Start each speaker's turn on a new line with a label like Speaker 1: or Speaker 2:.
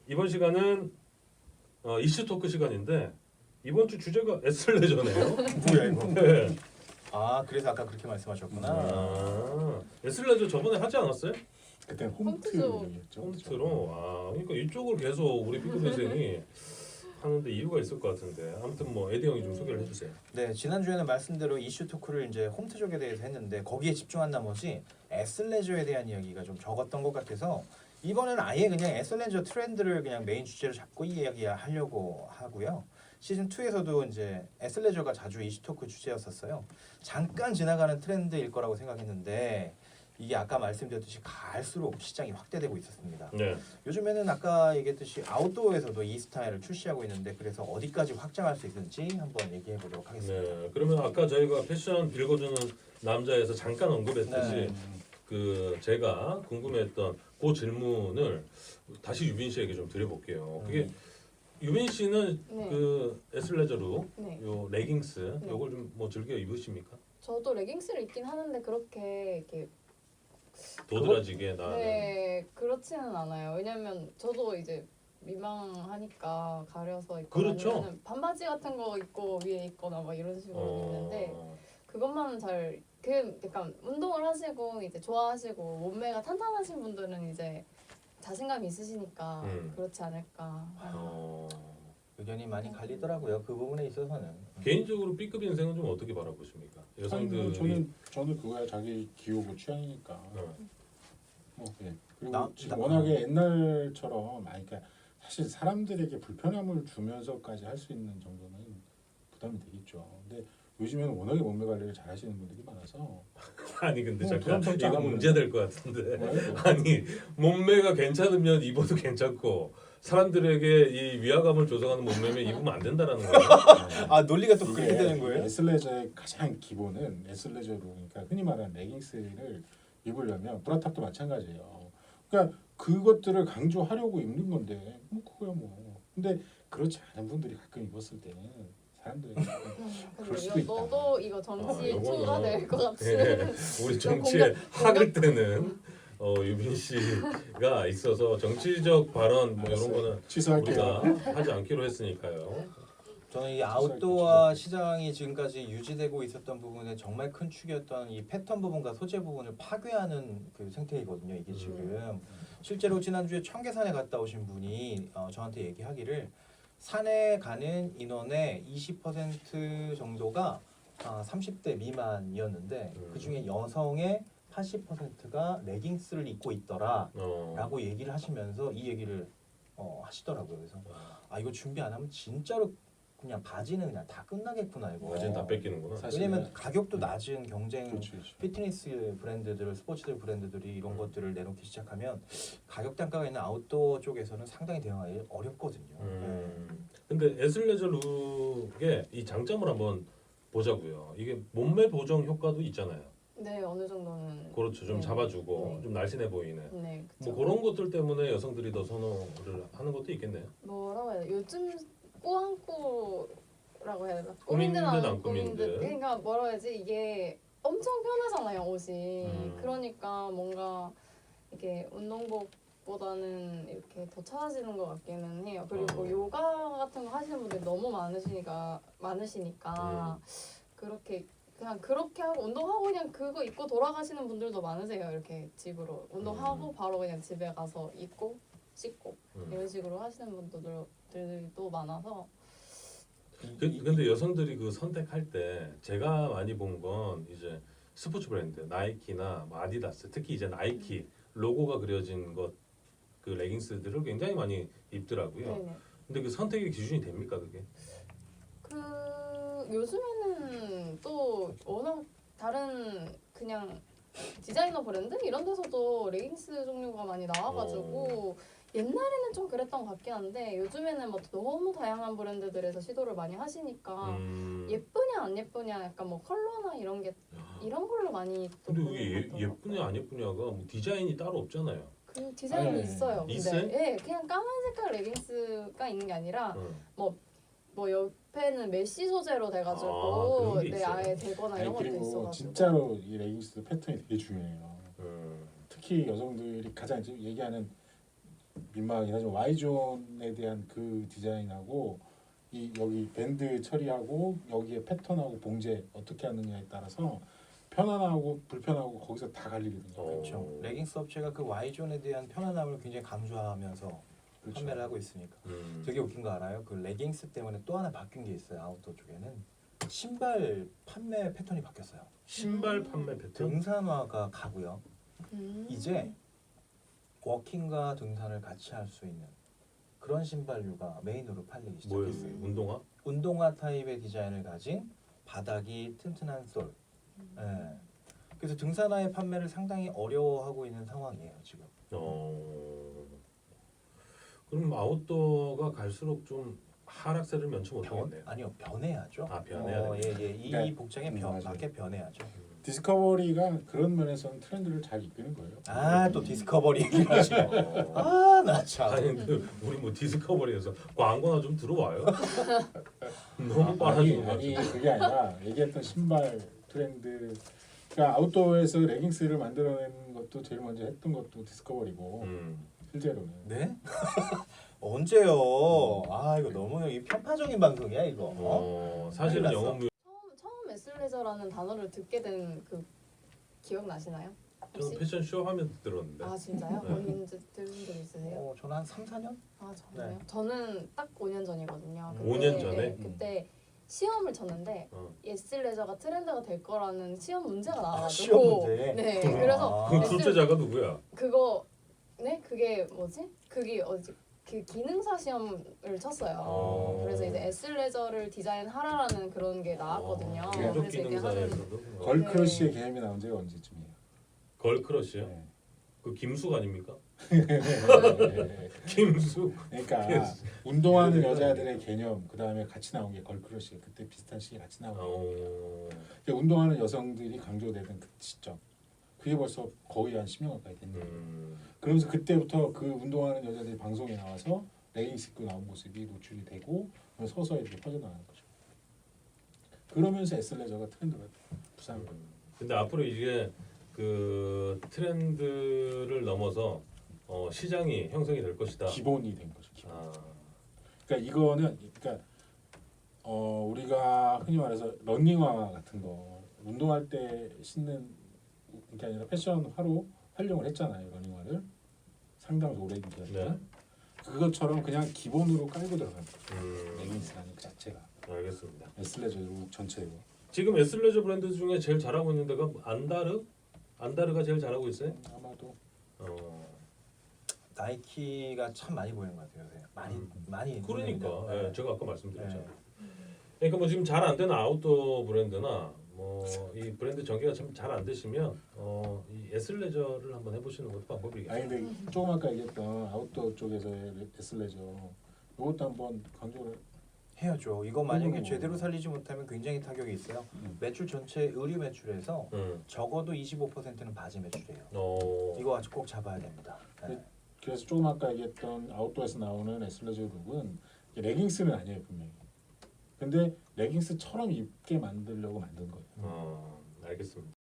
Speaker 1: 이번 시간은 이슈 토크 시간인데 이번 주 주제가 에슬레저네요.
Speaker 2: 뭐야 이거?
Speaker 1: 네.
Speaker 2: 아 그래서 아까 그렇게 말씀하셨구나.
Speaker 1: 에슬레저 저번에 하지 않았어요?
Speaker 3: 그때
Speaker 4: 홈트죠.
Speaker 3: 홈트였죠.
Speaker 1: 홈트로. 그러니까 이쪽을 계속 우리 삐꾸 선생이 하는데 이유가 있을 것 같은데 아무튼 뭐 에디 형이 좀 소개를 해주세요.
Speaker 2: 네 지난주에는 말씀대로 이슈 토크를 이제 홈트족에 대해서 했는데 거기에 집중한 나머지 에슬레저에 대한 이야기가 좀 적었던 것 같아서 이번에는 아예 그냥 에슬레저 트렌드를 그냥 메인 주제로 잡고 이야기하려고 하고요. 시즌 2에서도 이제 에슬레저가 자주 이슈 토크 주제였었어요. 잠깐 지나가는 트렌드일 거라고 생각했는데 이게 아까 말씀드렸듯이 갈수록 시장이 확대되고 있었습니다.
Speaker 1: 네.
Speaker 2: 요즘에는 아까 얘기했듯이 아웃도어에서도 이 스타일을 출시하고 있는데 그래서 어디까지 확장할 수 있는지 한번 얘기해 보도록 하겠습니다.
Speaker 1: 네. 그러면 아까 저희가 패션 읽어주는 남자에서 잠깐 언급했듯이
Speaker 2: 네.
Speaker 1: 그 제가 궁금했던 그 질문을 다시 유빈 씨에게 좀 드려볼게요. 그게 유빈 씨는
Speaker 4: 네.
Speaker 1: 그 에슬레저로
Speaker 4: 네.
Speaker 1: 요 레깅스
Speaker 4: 네.
Speaker 1: 요걸 좀 뭐 즐겨 입으십니까?
Speaker 4: 저도 레깅스를 입긴 하는데 그렇게 이렇게
Speaker 1: 도드라지게 나는
Speaker 4: 네 그렇지는 않아요. 왜냐면 저도 이제 민망하니까 가려서 입고
Speaker 1: 그렇죠.
Speaker 4: 아니면은 반바지 같은 거 입고 위에 입거나 막 이런 식으로 입는데 그것만은 잘 그 약간 운동을 하시고 이제 좋아하시고 몸매가 탄탄하신 분들은 이제 자신감 있으시니까 그렇지 않을까.
Speaker 1: 어,
Speaker 2: 의견이 많이 갈리더라고요. 그 부분에 있어서는.
Speaker 1: 개인적으로 B급 인생은 좀 어떻게 바라보십니까? 여성들이
Speaker 3: 저는 그거야 자기 기호고 취향이니까. 뭐 예. 그리고 지금
Speaker 2: 나-
Speaker 3: 워낙에 옛날처럼 그러니까 사실 사람들에게 불편함을 주면서까지 할 수 있는 정도는 부담이 되겠죠. 근데 요즘에는 워낙에 몸매 관리를 잘 하시는 분들이 많아서
Speaker 1: 아니 근데
Speaker 3: 뭐
Speaker 1: 잠깐
Speaker 3: 부담스럽지
Speaker 1: 이거
Speaker 3: 않아요.
Speaker 1: 문제 될 것 같은데
Speaker 3: 뭐예요?
Speaker 1: 아니 몸매가 괜찮으면 입어도 괜찮고 사람들에게 이 위화감을 조성하는 몸매면 입으면 안 된다라는 거예요.
Speaker 2: 아 논리가 또 그렇게
Speaker 3: 이게
Speaker 2: 되는 거예요?
Speaker 3: 에슬레저의 가장 기본은 에슬레저로 그러니까 흔히 말하는 레깅스를 입으려면 브라탑도 마찬가지예요. 그러니까 그것들을 강조하려고 입는 건데 뭐 그거야 뭐. 근데 그렇지 않은 분들이 가끔 입었을 때는 사람들이 그럴 수도
Speaker 4: 근데
Speaker 3: 있다.
Speaker 4: 너도 이거 정치
Speaker 1: 요거는-
Speaker 4: 투가 될 것 같이.
Speaker 1: 네, 우리 정치에 학을 때는 유빈 씨가 있어서 정치적 발언 뭐 이런
Speaker 3: 알았어요.
Speaker 1: 거는
Speaker 3: 취소할게요.
Speaker 1: 우리가 하지 않기로 했으니까요.
Speaker 2: 저는 이 아웃도어 시장이 지금까지 유지되고 있었던 부분에 정말 큰 축이었던 이 패턴 부분과 소재 부분을 파괴하는 그 생태이거든요. 이게 지금 실제로 지난주에 청계산에 갔다 오신 분이 저한테 얘기하기를 산에 가는 인원의 20% 정도가 30대 미만이었는데 그 중에 여성의 80%가 레깅스를 입고 있더라라고 얘기를 하시면서 이 얘기를 하시더라고요. 그래서 이거 준비 안 하면 진짜로 그냥 바지는 그냥 다 끝나겠구나 이거.
Speaker 1: 바지는 다 뺏기는구나.
Speaker 3: 사실-
Speaker 2: 왜냐면 가격도 낮은 경쟁
Speaker 3: 그렇죠, 그렇죠.
Speaker 2: 피트니스 브랜드들, 스포츠들 브랜드들이 이런 것들을 내놓기 시작하면 가격 단가가 있는 아웃도어 쪽에서는 상당히 대응하기 어렵거든요.
Speaker 1: 근데 에슬레저 룩의 이 장점을 한번 보자고요. 이게 몸매 보정 효과도 있잖아요.
Speaker 4: 네 어느 정도는.
Speaker 1: 그렇죠. 좀
Speaker 4: 네.
Speaker 1: 잡아주고
Speaker 4: 네.
Speaker 1: 좀 날씬해 보이는.
Speaker 4: 네
Speaker 1: 뭐
Speaker 4: 그쵸.
Speaker 1: 그런 것들 때문에 여성들이 더 선호를 하는 것도 있겠네요.
Speaker 4: 뭐라고 해야 돼? 요즘 꾸안꾸라고 해야 되나?
Speaker 1: 꾸민 듯
Speaker 4: 꾸민
Speaker 1: 안 꾸민 듯.
Speaker 4: 그러니까 뭐라 해야지 이게 엄청 편하잖아요 옷이.
Speaker 1: 음.
Speaker 4: 그러니까 뭔가 이게 운동복보다는 이렇게 더 찾아지는 것 같기는 해요. 그리고 요가 같은 거 하시는 분들이 너무 많으시니까 그렇게 그냥 그렇게 하고 운동하고 그냥 그거 입고 돌아가시는 분들도 많으세요. 이렇게 집으로 운동하고 바로 그냥 집에 가서 입고 씻고 이런 식으로 하시는 분들도 많아서.
Speaker 1: 근데 여성들이 그 선택할 때 제가 많이 본 건 이제 스포츠 브랜드 나이키나 뭐 아디다스 특히 이제 나이키 로고가 그려진 것 그 레깅스들을 굉장히 많이 입더라고요.
Speaker 4: 네네.
Speaker 1: 근데 그 선택의 기준이 됩니까 그게?
Speaker 4: 그 요즘에는 또 워낙 다른 그냥 디자이너 브랜드 이런 데서도 레깅스 종류가 많이 나와가지고 옛날에는 좀 그랬던 것 같긴 한데 요즘에는 뭐 너무 다양한 브랜드들에서 시도를 많이 하시니까 예쁘냐 안 예쁘냐 약간 뭐 컬러나 이런 게 이런 걸로 많이 또
Speaker 1: 근데
Speaker 4: 보는
Speaker 1: 그게
Speaker 4: 것 같더라고요.
Speaker 1: 예쁘냐 안 예쁘냐가 뭐 디자인이 따로 없잖아요.
Speaker 4: 그 디자인이
Speaker 3: 네.
Speaker 4: 있어요. 근데
Speaker 1: 있어요?
Speaker 4: 예, 그냥 까만 색깔 레깅스가 있는 게 아니라 뭐 옆에는 메쉬 소재로 돼가지고
Speaker 1: 그런 게
Speaker 4: 네
Speaker 1: 있어요?
Speaker 4: 아예 되거나 이런 것도
Speaker 3: 그리고
Speaker 4: 있어가지고
Speaker 3: 진짜로 이 레깅스 패턴이 되게 중요해요.
Speaker 1: 음.
Speaker 3: 특히 여성들이 가장 지금 얘기하는 민망하긴 하지만 Y존에 대한 그 디자인하고 이 여기 밴드 처리하고 여기에 패턴하고 봉제 어떻게 하느냐에 따라서 편안하고 불편하고 거기서 다 갈리거든요.
Speaker 2: 그렇죠. 레깅스 업체가 그 Y존에 대한 편안함을 굉장히 강조하면서
Speaker 3: 그렇죠.
Speaker 2: 판매를 하고 있으니까. 되게 웃긴 거 알아요? 그 레깅스 때문에 또 하나 바뀐 게 있어요. 아웃도어 쪽에는 신발 판매 패턴이 바뀌었어요.
Speaker 1: 신발 판매 패턴.
Speaker 2: 등산화가 가고요.
Speaker 4: 음.
Speaker 2: 이제 워킹과 등산을 같이 할 수 있는 그런 신발류가 메인으로 팔리기
Speaker 1: 뭐예요?
Speaker 2: 시작했어요.
Speaker 1: 운동화?
Speaker 2: 운동화 타입의 디자인을 가진 바닥이 튼튼한 솔. 예. 그래서 등산화의 판매를 상당히 어려워하고 있는 상황이에요 지금.
Speaker 1: 그럼 아웃도어가 갈수록 좀 하락세를 면치 못하겠네요.
Speaker 2: 아니요 변해야죠.
Speaker 1: 아, 변해야
Speaker 2: 예. 이
Speaker 3: 네.
Speaker 2: 복장에
Speaker 3: 맞아요.
Speaker 2: 맞게 변해야죠.
Speaker 3: 디스커버리가 그런 면에서는 트렌드를 잘 이끄는 거예요.
Speaker 2: 아 또 디스커버리 얘기하시고.
Speaker 1: 어.
Speaker 2: 아나 참.
Speaker 1: 아니 근데 우리 뭐 디스커버리에서 광고나 좀 들어와요? 너무 빨아주는 거
Speaker 3: 아니
Speaker 1: 같아.
Speaker 3: 그게 아니라 얘기했던 신발 트렌드. 그러니까 아웃도어에서 레깅스를 만들어낸 것도 제일 먼저 했던 것도 디스커버리고 실제로는.
Speaker 2: 네? 언제요? 아 이거 너무 이 편파적인 방송이야 이거.
Speaker 1: 사실은
Speaker 2: 큰일 났어.
Speaker 1: 영업무
Speaker 4: 처음 에슬레저라는 단어를 듣게 된 그 기억 나시나요?
Speaker 1: 저는
Speaker 4: 혹시?
Speaker 1: 패션쇼 하면 들었는데.
Speaker 4: 아 진짜요?
Speaker 1: 네.
Speaker 4: 언제 들은 적 있으세요?
Speaker 2: 저는 한 3, 4년?
Speaker 4: 아 정말요?
Speaker 2: 네.
Speaker 4: 저는 딱 5년 전이거든요.
Speaker 1: 5년 전에?
Speaker 4: 네, 그때 시험을 쳤는데 에슬레저가 트렌드가 될 거라는 시험 문제가 나와가지고
Speaker 2: 시험 문제?
Speaker 4: 네
Speaker 1: 그럼.
Speaker 4: 그래서
Speaker 1: 그
Speaker 4: 에슬-
Speaker 1: 출제자가 누구야?
Speaker 4: 그거 네 그게 뭐지? 그게 어디 그 기능사 시험을 쳤어요.
Speaker 1: 어.
Speaker 4: 그래서 이제 에슬레저를 디자인하라라는 그런 게 나왔거든요.
Speaker 3: 네.
Speaker 1: 민족
Speaker 4: 그래서 이게
Speaker 1: 기능사에서도
Speaker 3: 걸크러쉬의 개념이 나온 지가 언제쯤이에요?
Speaker 1: 걸크러쉬요?
Speaker 3: 네.
Speaker 1: 그 김숙 아닙니까?
Speaker 3: 네.
Speaker 1: 김숙.
Speaker 3: 그러니까 운동하는 여자들의 개념 그 다음에 같이 나온 게 걸크러쉬 그때 비슷한 시기에 같이 나온 거예요. 그러니까 운동하는 여성들이 강조되던 그 시점 그게 벌써 거의 한 10년 가까이 됐네요. 그러면서 그때부터 그 운동하는 여자들이 방송에 나와서 레깅스 입고 나온 모습이 노출이 되고 서서히 이렇게 퍼져나가는 거죠. 그러면서 에슬레저가 트렌드가 부상한 거예요.
Speaker 1: 근데 앞으로 이게 그 트렌드를 넘어서 시장이 형성이 될 것이다.
Speaker 3: 기본이 된 거죠. 기본.
Speaker 1: 아,
Speaker 3: 그러니까 이거는 그러니까 우리가 흔히 말해서 러닝화 같은 거 운동할 때 신는 게 아니라 패션화로 활용을 했잖아요. 러닝화를 상당히 오랜 기간 동안.
Speaker 1: 네.
Speaker 3: 그것처럼 그냥 기본으로 깔고 들어가는 거죠. 레깅스라는 그 자체가
Speaker 1: 알겠습니다.
Speaker 3: 에슬레저 룩 전체로.
Speaker 1: 지금 에슬레저 브랜드 중에 제일 잘하고 있는 데가 안다르? 안다르가 제일 잘하고 있어요?
Speaker 3: 아마도
Speaker 2: 나이키가 참 많이 보이는 것 같아요. 요새. 많이
Speaker 1: 그러니까
Speaker 2: 보이는데.
Speaker 1: 예, 제가 아까 말씀드렸잖아요.
Speaker 2: 네.
Speaker 1: 그러니까 뭐 지금 잘 안 되는 아웃도어 브랜드나 뭐 이 브랜드 전개가 참 잘 안 되시면 이 에슬레저를 한번 해보시는 것도 방법이겠죠.
Speaker 3: 아니 근데 조금 아까 얘기했던 아웃도어 쪽에서의 에슬레저 이것도 한번 강조를
Speaker 2: 해야죠. 이거 만약에
Speaker 3: 오.
Speaker 2: 제대로 살리지 못하면 굉장히 타격이 있어요.
Speaker 3: 음.
Speaker 2: 매출 전체 의류 매출에서 적어도 25%는 바지 매출이에요. 이거 아주 꼭 잡아야 됩니다. 네.
Speaker 3: 그래서 조금 아까 얘기했던 아웃도어에서 나오는 에슬레저 룩은 레깅스는 아니에요 분명히. 근데 레깅스처럼 입게 만들려고 만든 거예요.
Speaker 1: 알겠습니다.